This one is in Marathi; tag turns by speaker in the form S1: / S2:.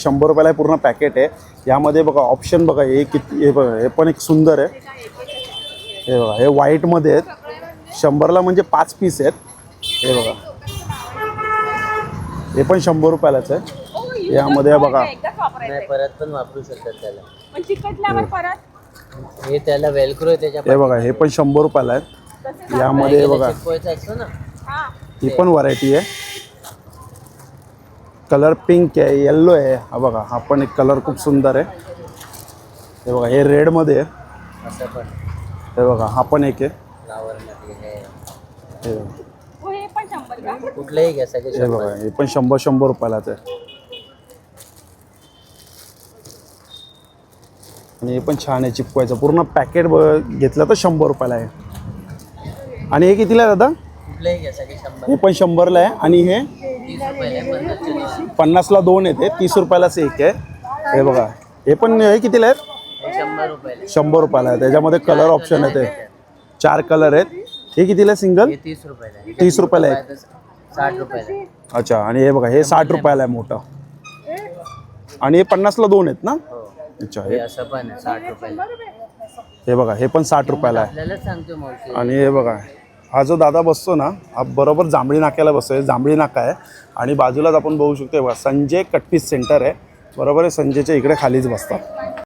S1: 100 रुपयाला पूर्ण पॅकेट आहे। यामध्ये बघा ऑप्शन बघा, हे किती, हे बघा हे पण एक सुंदर आहे। हे बघा हे व्हाईटमध्ये आहेत, 100ला म्हणजे 5 पीस आहेत। हे बघा हे पण 100 रुपयालाच आहे। यामध्ये बघा
S2: नाही परत पण वापरू शकतात त्याला,
S3: पण चिकटल्यावर परत
S2: हे त्याला वेलक्रो आहे त्याच्या
S1: हे बघा हे पण 100 रुपयाला आहेत। यामध्ये बघा
S2: चिपकवायचं असतं ना,
S3: हा
S1: ही पण व्हरायटी आहे। कलर पिंक आहे, येल्लो आहे। हा बघा हा पण एक कलर खूप सुंदर आहे। हे बघा हे रेडमध्ये आहे।
S2: असं पण
S1: हे बघा हा पण एक आहे।
S2: फ्लावर मध्ये
S1: हे बघा,
S3: हो, हे पण 100 का?
S2: कुठलंही घ्या सगळे
S1: हे बघा हे पण 100 रुपयालाच आहे। आणि हे पण छान आहे, चिपकवायचं पूर्ण पॅकेट घेतलं तर 100 रुपयाला आहे। आणि हे कितीला आहे दादा?
S2: कुठलंही घ्या सगळे 100
S1: हे पण 100ला आहे। आणि हे
S2: 30 रुपयाला
S1: 50ला 2 येते, 30 रुपयालाच एक आहे। हे बघा हे पण हे कितीला आहेत?
S2: 100 रुपयाला
S1: 100 रुपयाला आहे। त्याच्यामध्ये कलर ऑप्शन आहे, ते 4 कलर आहेत। हे कितीला सिंगल?
S2: हे 30 रुपयाला आहे,
S1: 30 रुपयाला आहे।
S2: 60 रुपयाला आहे।
S1: अच्छा, आणि हे बघा हे 60 रुपयाला आहे मोठं। आणि हे 50ला 2 आहेत ना?
S2: हो,
S1: अच्छा,
S2: हे असं पण आहे 60 रुपयाला।
S1: हे बघा हे पण 60 रुपयाला आहे।
S2: आपल्याला सांगतो मावशी,
S1: आणि हे बघा हा जो दादा बसतो ना, हा बरोबर जांभळी नाक्याला बसतो। जांभळी नाका आहे आणि बाजूलाच आपण बघू शकतो बघा संजय कटपीस सेंटर आहे, बरोबर आहे। संजयच्या इकडे खालीच बसतात।